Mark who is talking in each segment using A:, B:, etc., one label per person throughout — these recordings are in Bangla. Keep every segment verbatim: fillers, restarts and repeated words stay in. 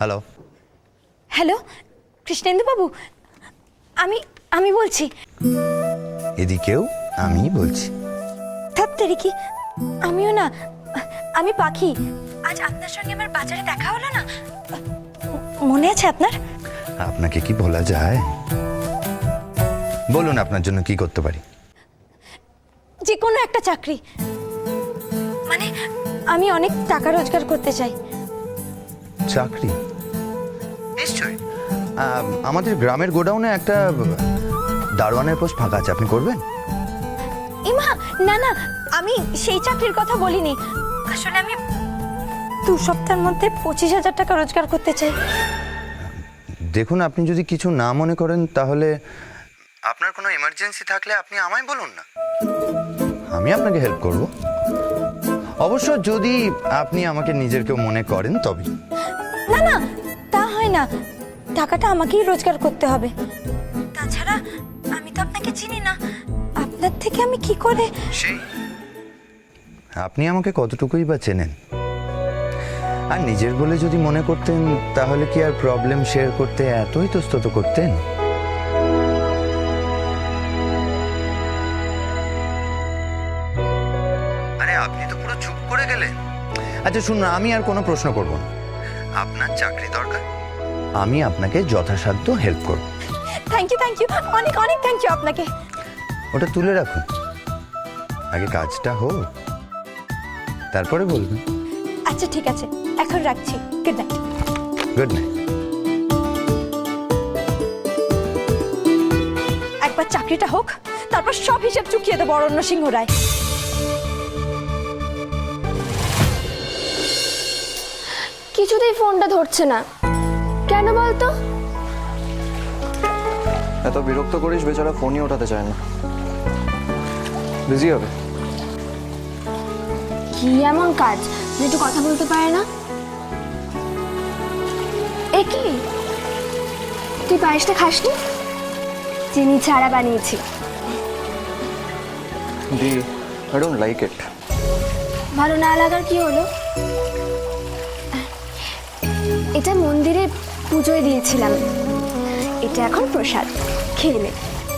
A: হ্যালো
B: হ্যালো কৃষ্ণেন্দু বাবু, আমি আমি বলছি।
A: এদিকেও আমি বলছি।
B: থাকতে কি আমিও না, আমি পাখি। আজ আপনার সঙ্গে আমার বাজারে দেখা হলো না, মনে আছে আপনার?
A: আপনাকে কি বলা যায়? বলুন আপনার জন্য কি করতে পারি।
B: যে কোনো একটা চাকরি, মানে আমি অনেক টাকা রোজগার করতে চাই।
A: চাকরি? নিশ্চয়ই। আমাদের গ্রামের গোডাউনে একটা দারোয়ানের পোস্ট ফাঁকা আছে, আপনি করবেন?
B: ইমা না না, আমি সেই চাকরির কথা বলিনি। আসলে আমি দু সপ্তাহের মধ্যে পঁচিশ হাজার টাকা রোজগার করতে চাই।
A: দেখুন, আপনি যদি কিছু না মনে করেন তাহলে আপনার কোনো এমার্জেন্সি থাকলে আপনি আমায় বলুন না, আমি আপনাকে হেল্প করব। অবশ্য যদি আপনি আমাকে নিজের কেউ মনে করেন তবে।
B: না না, তা হয় না, টাকাটা আমাকেই রোজগার করতে হবে। তাছাড়া আমি তো আপনাকে চিনি না, আপনার থেকে আমি কি করে?
A: সেই আপনি আমাকে কতটুকুই বা চেনেন? আর নিজের বলে যদি মনে করতেন তাহলে কি আর প্রবলেম শেয়ার করতে এতই ইতস্তত করতেন? আরে আপনি তো পুরো চুপ করে গেলেন। আচ্ছা শুনুন, আমি আর কোনো প্রশ্ন করব না। আপনার চাকরি দরকার, আমি আপনাকে যথাসাধ্য হেল্প করব।
B: থ্যাংক ইউ থ্যাংক ইউ, অনেক অনেক থ্যাংক ইউ আপনাকে।
A: ওটা তুলে রাখুন, আগে কাজটা হোক, তারপরে বলবেন।
B: আচ্ছা ঠিক আছে, এখন রাখছি। Good night.
A: Good night.
B: একবার চাকরিটা হোক, তারপর সব হিসাব চুকিয়ে দেবো অরণ্য সিংহ রায়।
C: কিছুতেই ফোনটা ধরছে না, কেন বলতো?
D: এত বিরক্ত করিস, বেচারা ফোনই ওঠাতে চায় না, বিজি হবে।
C: কি এমন কাজ যে একটু কথা বলতে পারে না? এ কি, তুই পায়েসটা খাসনি? চিনি ছাড়া বানিয়েছি।
D: দি, আই ডোন্ট লাইক ইট।
C: ভালো না লাগার কি হলো? এটা মন্দিরে পুজোয় দিয়েছিলাম, এটা এখন প্রসাদ, খেয়ে নে।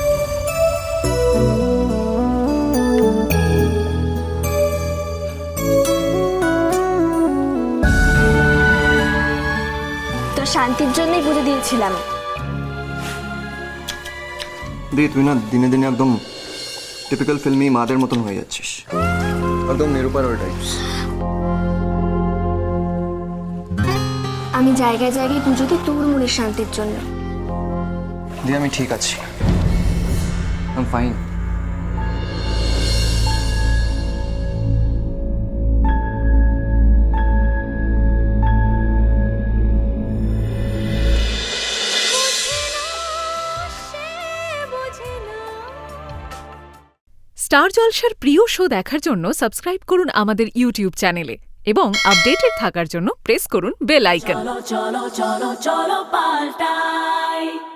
C: তোর শান্তির জন্যই পুজো দিয়েছিলাম।
D: দি, তুই না দিনে দিনে একদম টিপিক্যাল ফিল্মি মাদের মতন হয়ে যাচ্ছিস, একদম নিরুপার টাইপস।
C: আমি জায়গায় জায়গায় পুজো দিই তোর মনের শান্তির জন্য।
D: দি, আমি ঠিক আছি, আই এম ফাইন।
E: স্টার জলসার প্রিয় শো দেখার জন্য সাবস্ক্রাইব করুন আমাদের ইউটিউব চ্যানেলে এবং আপডেটেড থাকার জন্য প্রেস করুন বেল আইকন।
F: চলো চলো চলো চলো পাল্টাই।